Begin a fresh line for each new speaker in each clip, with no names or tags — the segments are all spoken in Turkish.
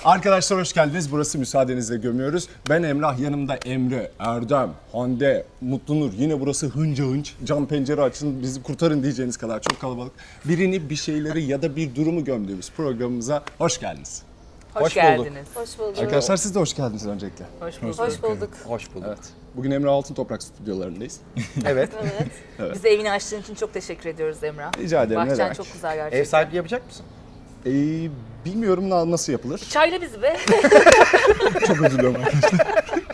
Arkadaşlar hoş geldiniz. Burası Müsaadenizle Gömüyoruz. Ben Emrah, yanımda Emre, Erdem, Hande, Mutlu Nur. Yine burası hınca hınç. Cam pencere açın, bizi kurtarın diyeceğiniz kadar çok kalabalık. Birini, bir şeyleri ya da bir durumu gömdüğümüz programımıza hoş geldiniz.
Hoş geldiniz.
Hoş bulduk.
Arkadaşlar siz de hoş geldiniz öncelikle.
Hoş bulduk.
Hoş bulduk.
Hoş bulduk.
Evet. Bugün Emre Altıntoprak stüdyolarındayız.
Evet.
Evet.
Bize evini açtığın için çok teşekkür ediyoruz Emrah.
Rica ederim, ne
Bahçen
demek.
çok güzel gerçekten.
Ev sahipliği yapacak mısın?
Bilmiyorum nasıl yapılır.
Çayla bizi be.
Çok özür dilerim arkadaşlar.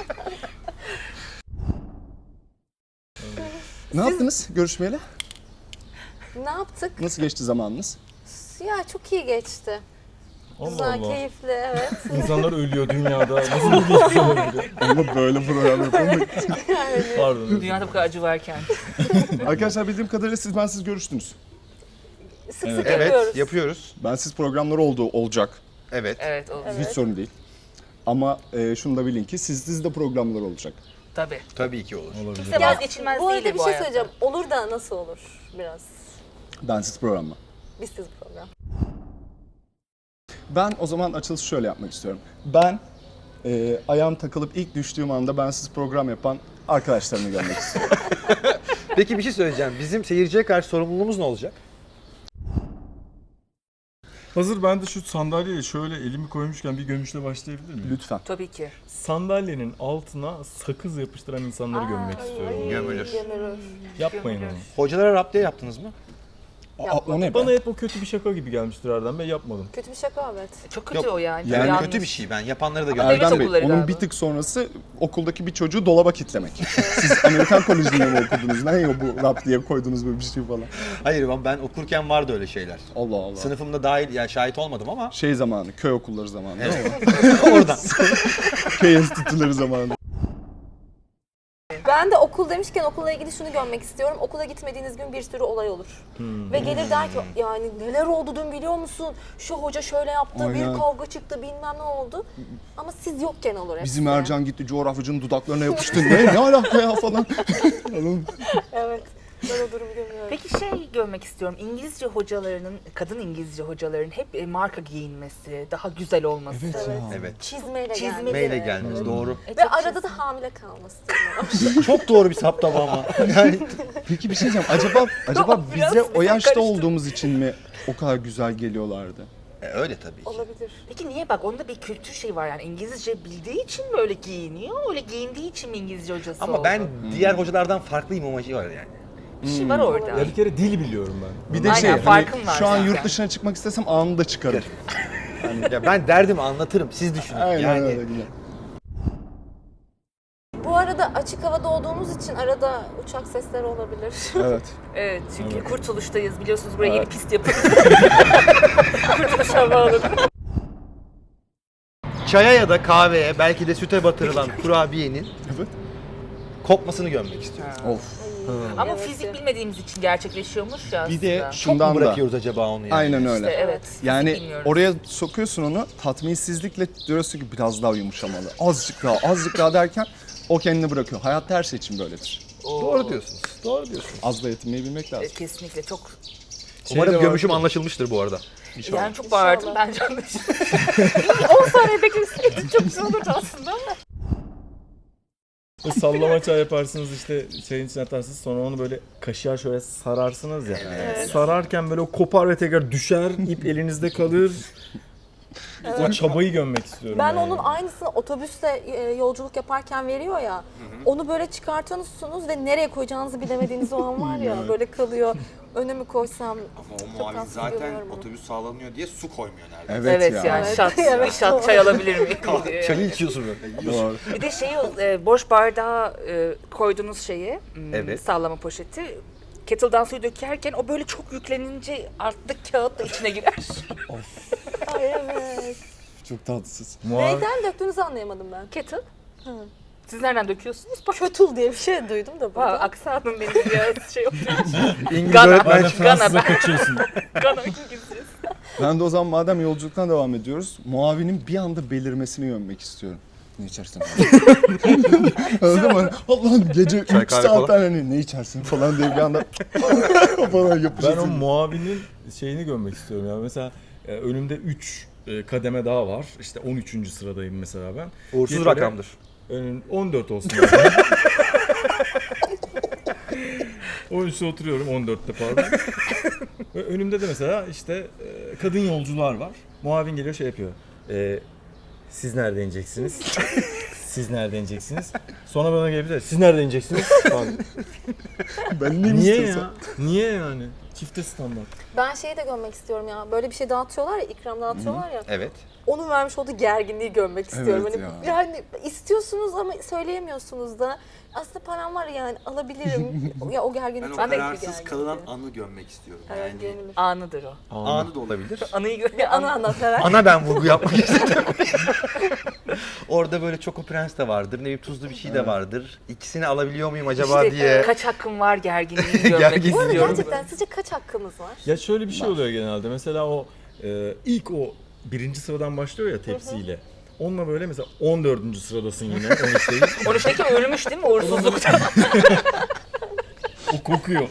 Ne yaptınız görüşmeyle?
Ne yaptık?
Nasıl geçti zamanınız?
Ya çok iyi geçti. Güzel, keyifli, evet.
İnsanlar ölüyor dünyada. Nasıl bir geçmiş olabilir?
Ama böyle program yapalım.
Pardon.
Dünyada bu kadar acı varken.
Arkadaşlar bildiğim kadarıyla siz görüştünüz.
Sık sık
Evet,
yapıyoruz.
yapıyoruz.
Bensiz programları olacak.
Evet.
Evet oldu.
Hiç sorun değil. Ama şunu da bilin ki sizde de programlar olacak.
Tabii.
Tabii ki olur.
Kimse
Ya,
vazgeçilmez
bu
değil
arada bir
bu
şey
hayatta.
söyleyeceğim. Olur da nasıl olur biraz?
Bensiz program mı?
Bizsiz program.
Ben o zaman açılışı şöyle yapmak istiyorum. Ben ayağım takılıp ilk düştüğüm anda bensiz program yapan arkadaşlarımı görmek istiyorum.
Peki bir şey söyleyeceğim. Bizim seyirciye karşı sorumluluğumuz ne olacak?
Hazır ben de şu sandalyeye şöyle elimi koymuşken bir gömüşle başlayabilir miyim?
Lütfen.
Tabii ki.
Sandalyenin altına sakız yapıştıran insanları gömmek istiyorum.
Gömülür.
Gömülür.
Yapmayın onu.
Hocalara raptiye yaptınız mı?
O ne
Bana
be?
hep o kötü bir şaka gibi gelmiştir Erdem Bey, yapmadım.
Kötü bir şaka, evet.
Çok kötü
Yok,
o yani.
yani
Yanlış.
Kötü bir şey. Ben yapanları da
Ama
görmedim.
devlet
Erdem Bey,
okulları
onun
galiba.
bir tık sonrası okuldaki bir çocuğu dolaba kitlemek. Siz Amerikan Koleji'nde mi okudunuz? Ne o bu rap diye koydunuz böyle bir şey falan?
Hayır ben okurken vardı öyle şeyler.
Allah Allah.
Sınıfımda dahil, yani şahit olmadım ama
Şey zamanı, köy okulları zamanı değil mi?
oradan.
Köy enstitüleri zamanı.
Ben de okul demişken okulla ilgili şunu görmek istiyorum. Okula gitmediğiniz gün bir sürü olay olur. Ve gelir der ki yani neler oldu dün biliyor musun? Şu hoca şöyle yaptı,
Aynen.
bir kavga çıktı, bilmem ne oldu. Ama siz yokken olur hepsi.
Bizim Ercan gitti coğrafyacının dudaklarına yapıştı. Ne alaka ya falan.
Evet. Ben o durumu görüyorum.
Peki şey görmek istiyorum. İngilizce hocalarının, kadın İngilizce hocaların hep marka giyinmesi, daha güzel olması.
Evet.
Çizmeyle
Çizme-
geldi.
Meyle gelmez. Doğru.
Ve arada da hamile kalması.
Çok doğru bir saptama ama. Yani
Peki bir şey diyeceğim. Acaba
Biraz
bize o
bize
yaşta
karıştı.
olduğumuz için mi o kadar güzel geliyorlardı?
öyle tabii ki.
Olabilir.
Peki niye bak onda bir kültür şey var yani İngilizce bildiği için mi öyle giyiniyor? Öyle giyindiği için mi İngilizce hocası
Ama
oldu?
ben diğer hocalardan farklıyım amacı var yani.
Bir şey var orada.
Ya bir kere dil biliyorum ben.
Bir de
Aynen,
şey,
farkım var
şu an
zaten.
yurt dışına çıkmak istesem anında çıkarım.
Ya ben derdimi anlatırım. Siz düşünün.
Aynen
yani
öyle güzel.
Bu arada açık havada olduğumuz için arada uçak sesleri olabilir.
Evet.
Evet çünkü Kurtuluş'tayız biliyorsunuz buraya yeni pist yapıldı. Kurtuluş Havaalanı.
çaya ya da kahveye belki de süte batırılan kurabiyenin
Evet.
kopmasını görmek istiyorum.
Of.
Ama
Evet.
fizik bilmediğimiz için gerçekleşiyormuş ya
Bir de
aslında.
Çok
şundan
mu
da.
bırakıyoruz acaba onu yani?
Aynen
İşte
öyle.
evet. fizik
Yani
bilmiyoruz.
oraya sokuyorsun onu, tatminsizlikle diyorsun ki biraz daha yumuşamalı. Azıcık daha derken o kendini bırakıyor. Hayatta her şey için böyledir.
Doğru diyorsunuz. Doğru diyorsunuz.
Az da yetinmeyi bilmek lazım.
Kesinlikle çok
Umarım
de
gömüşüm
vardı.
anlaşılmıştır bu arada.
yani çok bağırdım
İnşallah.
bence anlaşıldı. 10 saniye bekleseydin çok güzel olurdu aslında ama.
Sallama çay yaparsınız işte çayın içine atarsınız sonra onu böyle kaşığa şöyle sararsınız ya. Sararken böyle o kopar ve tekrar düşer, ip elinizde kalır. O çabayı gömmek istiyorum.
Ben
yani.
onun aynısını otobüste yolculuk yaparken veriyor ya. Onu böyle çıkartıyorsunuz ve nereye koyacağınızı bilemediğiniz o an var ya böyle kalıyor. Öne mi koysam?
Ama o
Çok
muavin
tatsız
zaten
görüyorum onu.
otobüs sağlanıyor diye su koymuyor neredeyse.
Evet,
Evet
ya.
yani
Evet.
şat,
Evet,
bir şat
doğru.
çay alabilir miyim diye.
Çayı içiyorsun böyle.
Doğru.
Bir de şeyi boş bardağa koyduğunuz şeyi
Evet.
sallama poşeti kettle'dan suyu dökerken o böyle çok yüklenince alttaki kağıt da içine girer.
Ay evet.
Çok tatsız.
Neyden döktüğünüzü anlayamadım ben.
Kettle. Siz nereden döküyorsunuz?
Kötül diye bir şey duydum da
Vay,
burada.
aksanım benim biraz şey oluyor.
İngiliz
Gana.
öğretmen
Ben de Fransız'a
ben-
kaçıyorsun.
Gana İngilizcesi.
Ben de o zaman madem yolculuktan devam ediyoruz, muavinin bir anda belirmesini gömmek istiyorum. Ne içersin? Anladın mı? Allah'ım gece 3
kahve
saat
falan.
hani ne içersin falan diye bir anda falan
Ben o
yapışırsın.
muavinin şeyini görmek istiyorum ya. Mesela önümde 3 kademe daha var. İşte 13. sıradayım mesela ben.
Uğursuz
Diye böyle,
rakamdır.
14 olsun. Yani. 13'te oturuyorum, 14'te pardon. Ve önümde de mesela işte kadın yolcular var. Muavin geliyor şey yapıyor. Siz nerede ineceksiniz? Siz nerede ineceksiniz? Sonra bana gelip de siz nerede ineceksiniz? Falan.
Ben ne
Niye
istiyorsan.
ya? Niye yani? Çifte standart.
Ben şeyi de görmek istiyorum ya. Böyle bir şey dağıtıyorlar ya, ikram dağıtıyorlar ya.
Evet.
Onun vermiş olduğu gerginliği görmek istiyorum.
Evet
Hani
ya.
yani istiyorsunuz ama söyleyemiyorsunuz da. Aslında param var yani alabilirim. Ya o gerginlik
Ben o
çok büyük bir
kararsız
gerginlik.
kalınan anı görmek istiyorum.
Evet,
Yani
gönül.
Anıdır o.
anı da olabilir.
Anıyı gör.
Bir anı anlatarak.
Ana ben vurgu yapmak istedim. Orada böyle Choco Prens de vardır, ne bileyim tuzlu bir şey de vardır. İkisini alabiliyor muyum acaba
İşte
diye.
kaç hakkım var gerginliğini görmek
Gerginliği.
Bu arada
istiyorum.
gerçekten sizce kaç hakkımız var?
Ya şöyle bir şey oluyor genelde. Mesela o ilk o birinci sıradan başlıyor ya tepsiyle. Onunla böyle mesela 14. sıradasın yine. 13 değil.
13'teki ölmüş değil mi uğursuzluktan?
O kokuyor.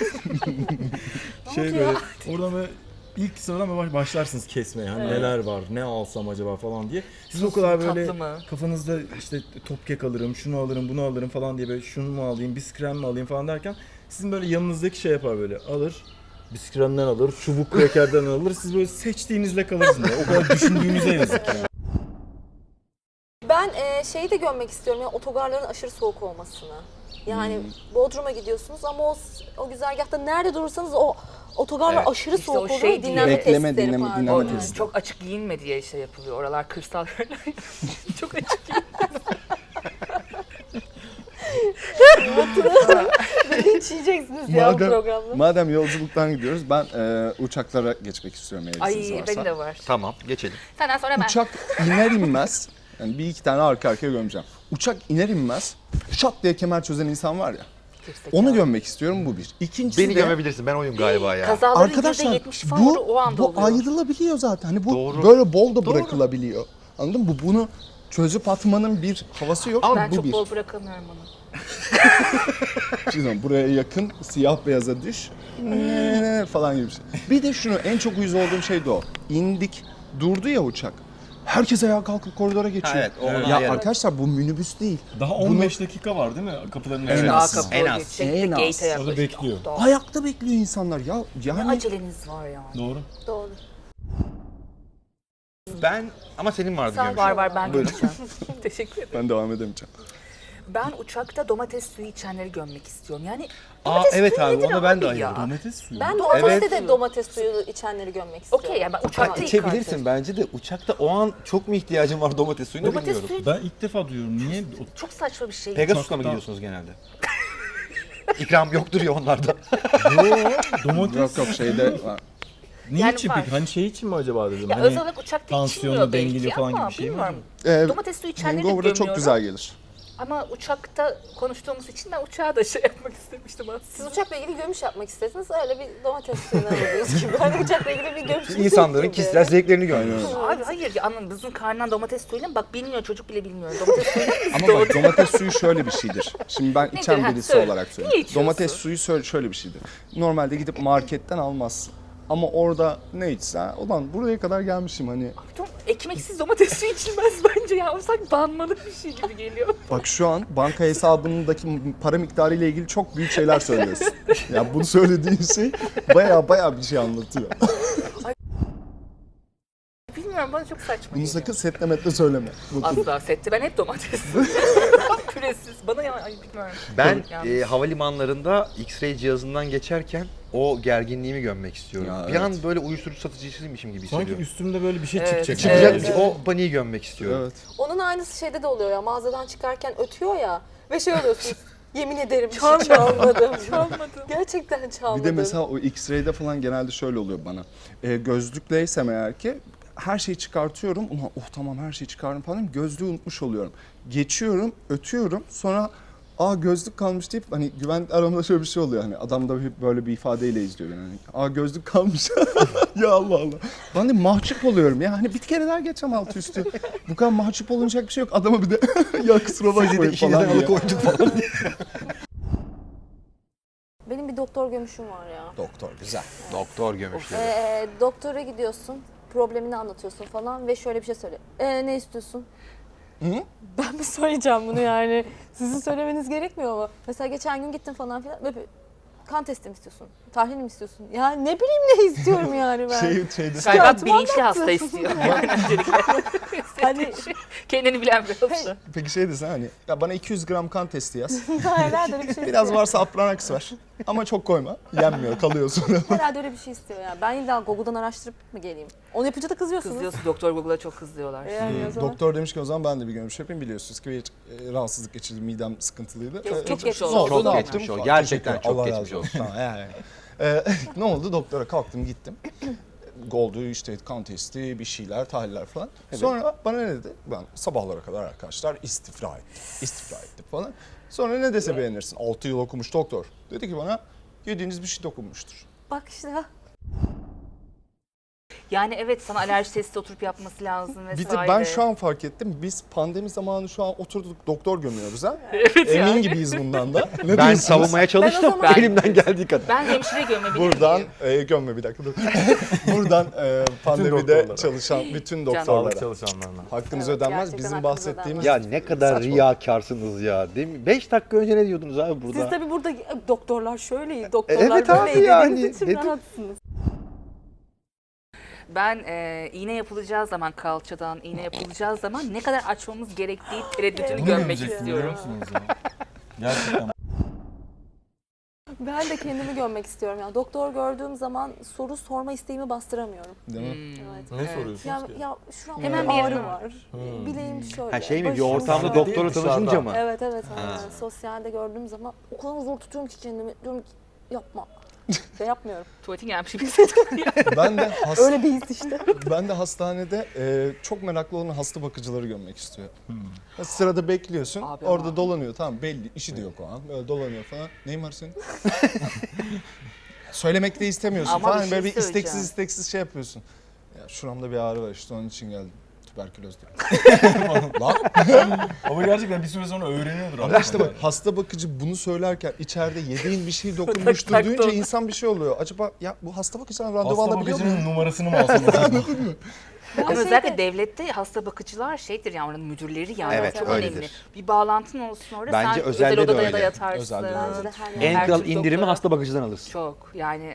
şey
oluyor?
böyle oradan böyle ilk sıradan böyle başlarsınız kesmeye. Hani neler var, ne alsam acaba falan diye. Siz o kadar böyle
tatlı mı?
kafanızda işte top kek alırım, şunu alırım, bunu alırım falan diye böyle şunu mu alayım, biskrem mi alayım falan derken sizin böyle yanınızdaki şey yapar böyle alır. Biskremden alır, çubuk krekerden alır. Siz böyle seçtiğinizle kalırsınız. O kadar düşündüğünüze yazık yani.
Ben şeyi de görmek istiyorum ya, otogarların aşırı soğuk olmasını. Yani Bodrum'a gidiyorsunuz ama o güzergahta nerede durursanız o otogarlar
Evet.
aşırı
İşte
soğuk
o
oluyor.
şey diye.
Dinlenme
Bekleme,
testleri
dinleme,
pardon.
dinleme
Yani.
testi.
Çok açık giyinme diye şey yapılıyor. Oralar kırsal yerler. Çok açık
Linç yiyeceksiniz ya bu programda.
Madem yolculuktan gidiyoruz, ben uçaklara geçmek istiyorum eğer
Ay
izniniz varsa.
benim de var.
Tamam, geçelim.
Senden sonra ben.
Uçak iner inmez, yani bir iki tane arka arkaya gömeceğim. Uçak iner inmez, şat diye kemer çözen insan var ya.
Gerizekalı.
Onu gömmek istiyorum, bu bir. İkincisi
Beni
de
gömebilirsin, ben oyum galiba ya.
Kazaların
arkadaşlar
%70 falan
bu,
o anda
bu
oluyor.
ayrılabiliyor zaten. Hani bu
Doğru.
böyle bol da bırakılabiliyor. Anladın mı? Bunu çözüp atmanın bir havası yok.
Ben
bu
çok
bir.
bol bırakamıyorum onu.
Şimdi buraya yakın siyah beyaza düş falan gibi bir şey. Bir de şunu en çok uyuz olduğum şey de o. İndik, durdu ya uçak. Herkes ayağa kalkıp koridora geçiyor.
Ha, evet, o ona
ya
ayarı.
arkadaşlar bu minibüs değil.
Daha 15 dakika var değil mi kapıların
En
önünde?
az.
Daha kapı
en az.
geçecek,
En az.
gate'e yaklaşık.
Orada bekliyor.
Daha-
Ayakta bekliyor insanlar ya.
Ne
Yani
aceleniz var ya.
Doğru.
Doğru.
Ben, ama senin vardı
Sen
gömüşüm.
Var var ben göreceğim. Teşekkür ederim.
ben devam edemeyeceğim.
Ben uçakta domates suyu içenleri gömmek istiyorum. Yani
Aa
domates
evet
suyu
abi,
nedir
onu ben de
abi ya?
ayırdım.
Domates suyu.
Ben domateste
Evet.
de domates suyu içenleri görmek istiyorum.
Okey yani ben uçakta
Tamam.
İçebilirsin bence de, uçakta o an çok mu ihtiyacın var domates suyuna
Domates
bilmiyorum.
suyu
Ben ilk defa duyuyorum. Niye?
çok saçma bir şey.
Pegasus'la mı
Uçakta.
gidiyorsunuz genelde? İkram yoktur ya onlarda.
Domates
Yok yok şeyde var.
niye
Yani
için
var.
peki? Hani şey için mi acaba dedim?
Ya
hani
özel olarak uçakta
tansiyonu
içilmiyor
dengeliyor
belki
falan
ama
gibi bir şey mi
bilmiyorum. Domates suyu içenleri de
Hangover'da çok
gömüyorum.
güzel gelir.
Ama uçakta konuştuğumuz için ben uçağa da şey yapmak istemiştim aslında.
Siz uçakla ilgili gömüş yapmak istediniz. Öyle bir domates suyuna vurduğunuz gibi. Hani uçakla ilgili bir gömüş.
İnsanların
gibi.
kişisel zevklerini görüyoruz.
Abi hayır ya anladın bizim karnından domates suyuyla mı? Bak bilmiyor çocuk bile bilmiyor. Domates suyuyla mı biz
Ama
doğduk?
bak domates suyu şöyle bir şeydir. Şimdi ben içen
Ha,
birisi
söyle.
olarak
Niye
söyleyeyim.
içiyorsun?
Domates suyu şöyle bir şeydir. Normalde gidip marketten almazsın. Ama orada ne içsen, ulan buraya kadar gelmişim hani.
Ekmeksiz domates suyu içilmez bence ya. O sanki banmalık bir şey gibi geliyor.
Bak şu an banka hesabındaki para miktarı ile ilgili çok büyük şeyler söylüyorsun. Ya bunu söylediğin şey baya bir şey anlatıyor.
Bilmiyorum bana çok saçma
Bunu
geliyor.
sakın setlemetle söyleme. Bakın.
Asla sette ben hep domates. Püresiz. Bana ya ay bilmiyorum.
Ben
Yanlış.
havalimanlarında X-ray cihazından geçerken o gerginliğimi gömmek istiyorum.
Ya,
bir
evet.
an böyle uyuşturucu satıcısıymışım gibi
sanki
hissediyorum.
üstümde böyle bir şey
Evet.
çıkacak.
Çıkacak
Evet.
bir şey, o paniği gömmek istiyorum.
Evet.
Onun aynısı şeyde de oluyor ya. Mağazadan çıkarken ötüyor ya. Ve şey oluyorsunuz. Yemin ederim bir şey çalmadım.
Çalmadım.
Gerçekten çalmadım.
Bir de mesela o X-ray'de falan genelde şöyle oluyor bana. Gözlükleysem eğer ki her şeyi çıkartıyorum. Ulan oh tamam her şeyi çıkardım falan. Gözlüğü unutmuş oluyorum. Geçiyorum, ötüyorum. Sonra gözlük kalmış deyip hani güvenlik aramda şöyle bir şey oluyor. Hani adam da böyle bir ifadeyle izliyor beni. Hani, gözlük kalmış. Ya Allah Allah. Ben de mahcup oluyorum ya. Hani bir kere daha geçeceğim altı üstü. Bu kadar mahcup olunacak bir şey yok. Adama bir de ya kusura
Sizi de
bakmayın
işinizden
falan diye.
alıkoyduk falan diye.
Benim bir doktor gömüşüm var ya.
Doktor güzel.
Doktor gömüşleri.
Doktora gidiyorsun. problemini anlatıyorsun falan ve şöyle bir şey söyle. Ne istiyorsun? Ben mi söyleyeceğim bunu yani? Sizin söylemeniz gerekmiyor mu? Mesela geçen gün gittin falan filan. Böyle kan testi mi istiyorsun? Tahlil mi istiyorsun? Ya ne bileyim ne istiyorum yani ben.
Şeyde
Galiba
Şikayetimi
bilinçli
anlattın.
hasta istiyor. Yani öncelikle.
Hani
Kendini bilen bir hasta.
peki şey desen hani ya bana 200 gram kan testi yaz.
herhalde öyle bir şey
Biraz
istiyor.
varsa Apranax ver. Ama çok koyma. Yenmiyor, kalıyor sonra.
Herhalde öyle bir şey istiyor ya. Ben illa Google'dan araştırıp mı geleyim? Onu yapınca da kızıyorsunuz.
Kızıyorsun. Doktor Google'a çok kızıyorlar.
Yani o zaman.
Doktor demiş ki o zaman ben de bir görmüş yapayım, biliyorsunuz ki bir rahatsızlık geçirdim, midem sıkıntılıydı.
Çok
geçmiş
geçmiş
olsun.
Ne oldu,
Çok
ne
geçmiş
yaptım?
olsun. Gerçekten
Teşekkür ederim.
çok
Allah
geçmiş
razı
olsun.
Tamam, yani. Ne oldu? Doktora kalktım gittim. Oldu işte kan testi, bir şeyler, tahliller falan. Sonra bana ne dedi? Ben sabahlara kadar arkadaşlar istifra ettim falan. Sonra ne dese beğenirsin. 6 yıl okumuş doktor. Dedi ki bana yediğiniz bir şey dokunmuştur.
Bak işte ha.
Yani evet, sana alerji testi oturup yapması lazım vesaire.
Bir de ben şu an fark ettim. Biz pandemi zamanı şu an oturduk doktor gömüyoruz ha.
Evet
Emin
yani.
gibiyiz bundan da. Ne
Ben
diyorsunuz?
savunmaya çalıştım
zaman-
elimden geldiği kadar.
Ben hemşire gömebilir
Buradan
miyim?
gömme bir dakika dur. Buradan pandemide
doktorlara.
çalışan bütün
Sağlık
doktorlara
çalışanlarına.
hakkınız
Evet,
ödenmez.
gerçekten
Bizim
hakkınız
bahsettiğimiz
Ya ne kadar
Saçma.
riyakarsınız ya, değil mi? 5 dakika önce ne diyordunuz abi burada?
Siz tabii burada doktorlar şöyle, doktorlar
Evet abi
böyle
yani,
dediğiniz için
dedim.
rahatsınız.
Ben iğne yapılacağı zaman, kalçadan iğne yapılacağı zaman ne kadar açmamız gerektiği tereddütünü
Bunu
görmek
görecektim, biliyor
istiyorum.
musunuz ya? Gerçekten.
Ben de kendimi görmek istiyorum. Yani doktor gördüğüm zaman soru sorma isteğimi bastıramıyorum.
değil mi?
Evet.
Ne soruyorsunuz
Ya,
ki?
ya şuramda
Hemen
bir
bir
ağrı
yerim
var. Bileğim şöyle.
Ha şey mi, bir
başım
ortamda
şöyle.
doktorla
Dışarıda.
tanışınca mı?
Evet evet. aynen. Sosyalde gördüğüm zaman o kadar zor tutuyorum ki kendimi. Diyorum ki yapma. Ve yapmıyorum.
Tuvaletin gelmiş gibi hissediyorum.
Ben de
Öyle bir his işte.
ben de hastanede çok meraklı olan hasta bakıcıları görmek istiyorum. Sırada bekliyorsun.
Abi
orada
ama.
dolanıyor, tamam, belli işi de yok o an. Böyle dolanıyor falan. Neyin var senin? Söylemek de istemiyorsun
Ama
falan.
bir şey
Böyle bir
söyleyeceğim.
isteksiz şey yapıyorsun. Ya şuramda bir ağrı var işte, onun için geldim. Tüberküloz diye. Lan.
Ama gerçekten bir süre sonra öğreniyordur.
Ama işte bak, hasta bakıcı bunu söylerken içeride yediğin bir şey dokunmuştur
tak
duyunca
tak.
insan bir şey oluyor. Acaba ya bu hasta bakıcıdan randevu
Hasta
alabiliyor mu?
bakıcının numarasını mı alsam acaba?
Ama
şeyde-
özellikle devlette hasta bakıcılar şeydir yani, oranın müdürleri yani.
Evet,
çok
öyledir.
önemli. Bir bağlantın olsun orada.
Bence
sen
özelde
özel
de
odaya da
öyle.
yatarsın.
Özelde de
Bence de her
En
yer.
kral
Türk
indirimi
doktora.
hasta bakıcıdan alırsın.
Çok yani.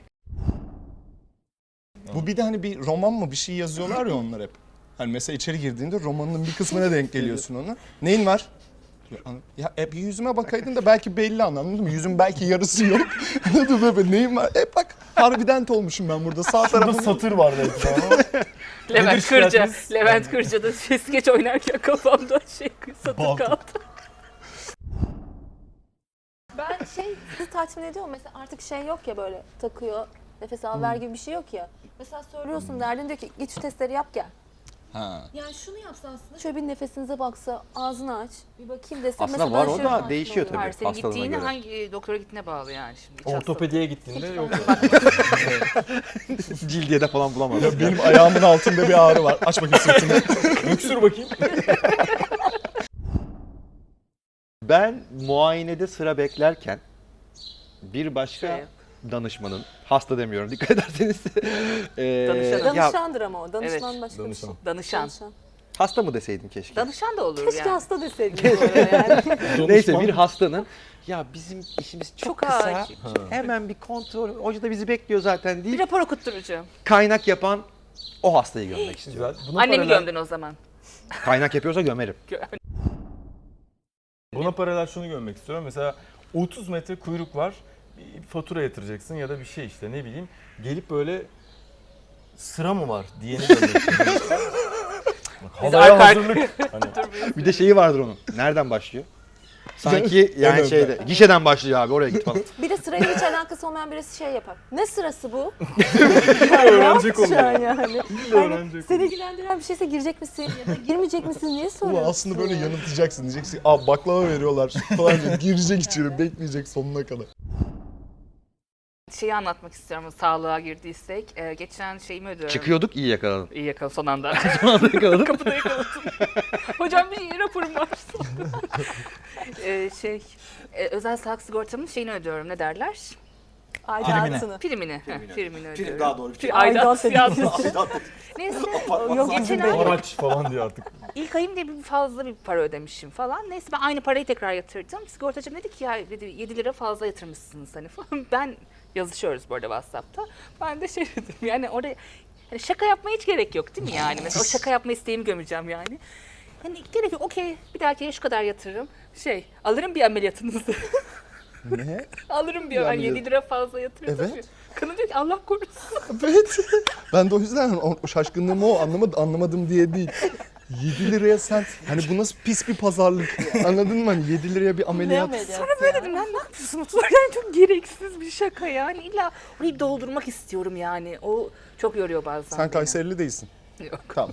Bu bir de hani bir roman mı bir şey yazıyorlar ya onlar hep. Hani mesela içeri girdiğinde romanın bir kısmına denk geliyorsun ona. Neyin var? Ya hep yüzüme bakaydın da belki belli, anladın mı? Yüzün belki yarısı yok. Anladın mı? Böyle neyin var? Bak harbident olmuşum ben burada. Sağ
Burada
tarafım.
satır var belki ama.
Levent Kırca.
şikayetiniz?
Levent Kırca'da skeç oynarken kafamda satır
Balkon.
kaldı.
Ben sizi tatmin ediyor mu? Mesela artık şey yok ya, böyle takıyor, nefes al ver gibi bir şey yok ya. Mesela söylüyorsun, derdin diyor ki git şu testleri yap gel.
Ha.
Yani şunu yapsa aslında, şöyle bir nefesinize baksa, ağzını aç, bir bakayım dese.
Aslında
mesela
var,
ben
o
şey
da
tatmin
değişiyor
oluyorum.
Hayır, senin
hastalığına
gittiğine
göre.
hangi doktora gittiğine bağlı yani şimdi. İç hastalığı.
Ortopediye gittiğinde yok.
Cildiyede falan bulamazsın.
Ya benim ayağımın altında bir ağrı var. Aç bakayım sırtını.
Öksür bakayım.
Ben muayenede sıra beklerken bir başka
Şey.
danışmanın, hasta demiyorum dikkat ederseniz.
Danışanı.
ya,
Danışandır ama o. Danışman
Evet.
başka bir şey.
Danışan.
Danışan.
hasta mı deseydim keşke.
Danışan da olur
Keşke
yani.
hasta deseydiniz bu arada yani.
Neyse, bir hastanın ya bizim işimiz çok
Çok
kısa.
acil.
Hemen bir kontrol. Hoca da bizi bekliyor zaten
Bir
değil.
rapor okutturacağım.
Kaynak yapan o hastayı gömmek istiyor.
Güzel. Buna
Annemi
paralel-
gömdün o zaman.
Kaynak yapıyorsa gömerim.
Buna paralel şunu görmek istiyorum. Mesela 30 metre kuyruk var. Bir fatura yatıracaksın ya da bir şey işte, ne bileyim. Gelip böyle sıra mı var diyeni görmek istiyorum. Bak, havaya
arka-
hazırlık. Hani,
Bir de şeyi vardır onun. Nereden başlıyor? Sanki yani
Evet.
şeyde, gişeden başlıyor abi, oraya git falan.
Bir de sırayla hiç alakası olmayan birisi şey yapar. Ne sırası bu?
öğrenecek onu.
Şu an yani.
öğrenecek
Hani seni ilgilendiren bir şeyse girecek misin ya da girmeyecek misin diye
Ulan
soruyorsun.
aslında böyle yanıltacaksın. Diyeceksin aa baklava veriyorlar falan diye. Girecek içeri, bekleyecek sonuna kadar.
Şeyi anlatmak istiyorum sağlığa girdiysek. Geçen şeyimi ödüyorum.
Çıkıyorduk, iyi yakaladın.
İyi yakaladım son anda.
Son anda yakaladım.
Kapıda yakaladım. Hocam bir raporum var. Özel sağlık sigortamın şeyini ödüyorum, ne derler?
Aidatını.
Primini ödüyorum.
Daha doğru.
Aidat
Aidat
yazmış.
Aidat
Neyse
Yok,
geçen ay
Araç falan diyor artık.
ilk ayım diye bir fazla bir para ödemişim falan. Neyse ben aynı parayı tekrar yatırdım. Sigortacım dedi ki ya dedi, 7 lira fazla yatırmışsınız hani falan. Ben yazışıyoruz bu arada WhatsApp'ta. Ben de şey dedim yani oraya hani şaka yapmaya hiç gerek yok değil mi yani? Mesela o şaka yapma isteğimi gömeceğim yani. Hani gerek yok okey bir dahaki şu kadar yatırırım. Alırım bir ameliyatınızı.
Ne?
Alırım bir
Bir
hani
ameliyat.
7 lira fazla yatırırım.
Evet.
Kadın diyor ki Allah korusun.
Evet. Ben de o yüzden o şaşkınlığım o anlamadım diye değil. 7 liraya sen hani bu nasıl pis bir pazarlık anladın mı? Hani 7 liraya bir
Ne
ameliyat.
ameliyat?
Sonra böyle dedim ben ne yapıyorsunuz? Yani çok gereksiz bir şaka yani. İlla orayı doldurmak istiyorum yani. O çok yoruyor bazen.
Sen
beni.
Kayserili değilsin.
Yok.
Tamam.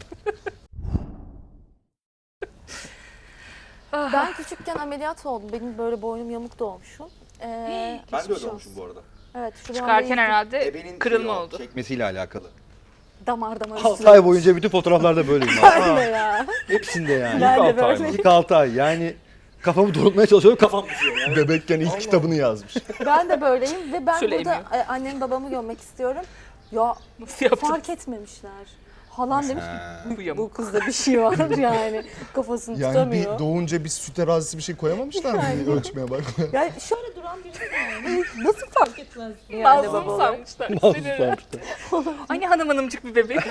Ben küçükken ameliyat oldum. Benim böyle boynum yamuk doğmuşum.
Ben de
geçmiş
öyle
olsun.
olmuşum bu arada.
Evet, şu
Çıkarken herhalde
Ebenin
kırılma
şeyi o,
oldu.
Çekmesiyle alakalı.
damar
6
üstüne.
ay boyunca bütün fotoğraflarda böyleyim.
Ben de ya.
Hepsinde yani.
Ben de
altı ay
böyle.
İlk 6 ay yani kafamı doğrultmaya çalışıyorum kafam düşüyor yani.
Bebekken ilk kitabını yazmış.
Ben de böyleyim ve ben
Şöyle
burada annemi babamı gömmek istiyorum. Ya
Nasıl yaptın?
fark etmemişler. Halam demiş
Bu
ki
yamuk.
bu kızda bir şey var yani. Kafasını
Yani
tutamıyor.
bir doğunca bir süt terazisi bir şey koyamamışlar mı ölçmeye bak.
Yani şöyle duran birisi yani. Nasıl fark etmez yani
Mazlum
babalar?
sanmışlar. Aynı hanımcık bir bebek.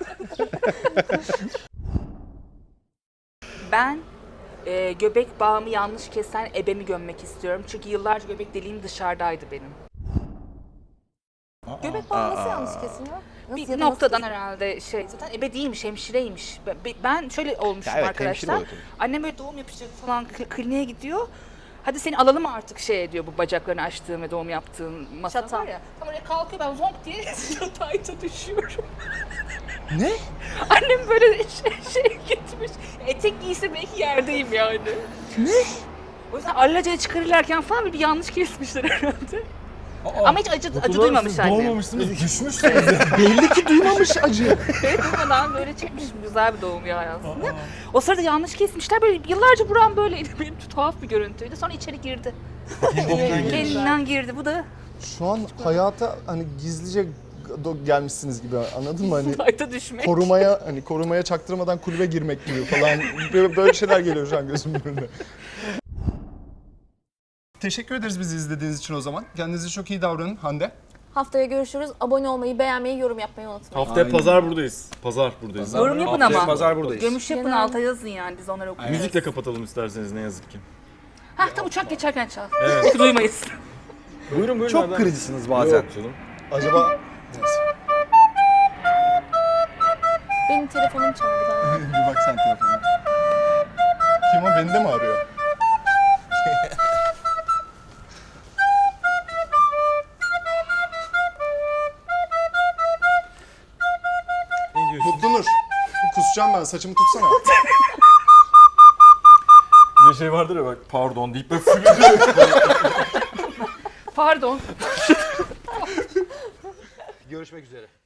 Ben göbek bağımı yanlış kesen ebemi gömmek istiyorum. Çünkü yıllarca göbek deliğim dışarıdaydı benim.
Göbek bağı nasıl yanlış kesiliyor? Nasıl ya
Bir
da
noktadan
nasıl
herhalde zaten ebe değilmiş, hemşireymiş. Ben şöyle olmuşum
Ya evet,
arkadaşlar.
hemşire oluyor tabii.
Annem böyle doğum yapacak falan kliniğe gidiyor. Hadi seni alalım artık diyor bu bacaklarını açtığın ve doğum yaptığın masa
Şatan.
var ya. Tam oraya kalkıyor ben zonk diye yatayta düşüyorum.
Ne?
Annem böyle gitmiş. Etek giyse belki yerdeyim yani. Ne? O yüzden allacaya çıkarırlarken falan bir yanlış kesmişler herhalde. Ama hiç acı duymamış annem.
Doğmamışsınız, düşmüşsünüz.
Belli ki duymamış acı.
Duymadan böyle çıkmış. Güzel bir doğum yani aslında. O sırada yanlış kesmişler. Böyle yıllarca buram böyleydi. Benim tuhaf bir görüntüydü. Sonra içeri girdi. Kendinden girdi. Bu da
Şu an hayata hani gizlice gelmişsiniz gibi anladın mı? Hani
fayda düşmek.
korumaya çaktırmadan kulübe girmek gibi falan böyle şeyler geliyor şu an gözümün önüne. Teşekkür ederiz bizi izlediğiniz için o zaman. Kendinize çok iyi davranın Hande.
Haftaya görüşürüz. Abone olmayı, beğenmeyi, yorum yapmayı unutmayın.
Haftaya pazar buradayız. Pazar buradayız.
Yorum yapın
Haftaya
ama.
pazar buradayız.
Gömüş yapın
Genel-
alta yazın yani. Biz onları okuyoruz.
Müzikle kapatalım isterseniz ne yazık ki.
Hah tam uçak geçerken çal. Duymayız.
Buyurun buyurun.
Çok
nereden?
kırıcısınız bazen.
Yok canım.
Acaba
Benim telefonum çaldı.
bir bak sen telefonuna. Kim o? Beni de mi arıyor?
Ne diyorsun?
Mutlu Nur. Kusacağım ben. Saçımı tutsana.
Bir şey vardır ya bak pardon deyip böyle fırlıyor.
Pardon.
Görüşmek üzere.